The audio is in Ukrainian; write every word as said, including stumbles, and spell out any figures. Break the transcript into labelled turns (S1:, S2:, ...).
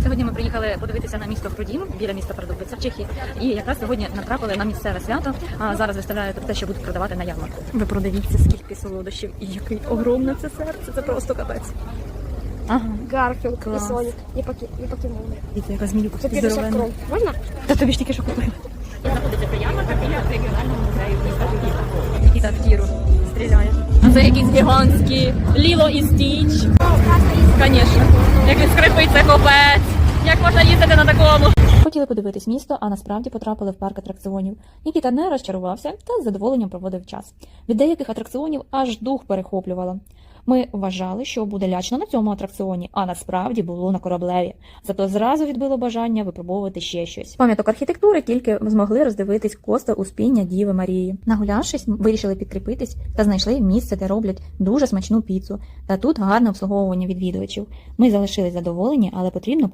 S1: Сьогодні ми приїхали подивитися на місто Хрудім, біля міста Пардубиця в Чехії. І якраз сьогодні натрапили на місцеве свято. А зараз виставляють те, що будуть продавати на ярмарку. Ви продивіться, скільки солодощів і який огромне це серце. Це просто капець. Ага.
S2: Гарфілд,
S1: Клас.
S2: і Сонік, і покі... і покемони.
S1: І це яка зміюка
S2: Це п'ятдесят
S1: здоровенна.
S2: крон. Можна?
S1: Та тобі ж тільки що купили. Знаходиться ця ярмарка біля регіонального музею міста Хрудім. Нікіта в тіру стріляє. А це якісь гігантські Ліло і Стіч. Звісно. Як він скрипить, це копець. Як можна їздити на такому? Хотіли подивитись місто, а насправді потрапили в парк атракціонів. Нікіта не розчарувався та з задоволенням проводив час. Від деяких атракціонів аж дух перехоплювало. Ми вважали, що буде лячно на цьому атракціоні, а насправді було на кораблеві. Зато зразу відбило бажання випробовувати ще щось. Пам'яток архітектури тільки змогли роздивитись коста Успіння Діви Марії. Нагулявшись, вирішили підкріпитись та знайшли місце, де роблять дуже смачну піцу. Та тут гарне обслуговування відвідувачів. Ми залишились задоволені, але потрібно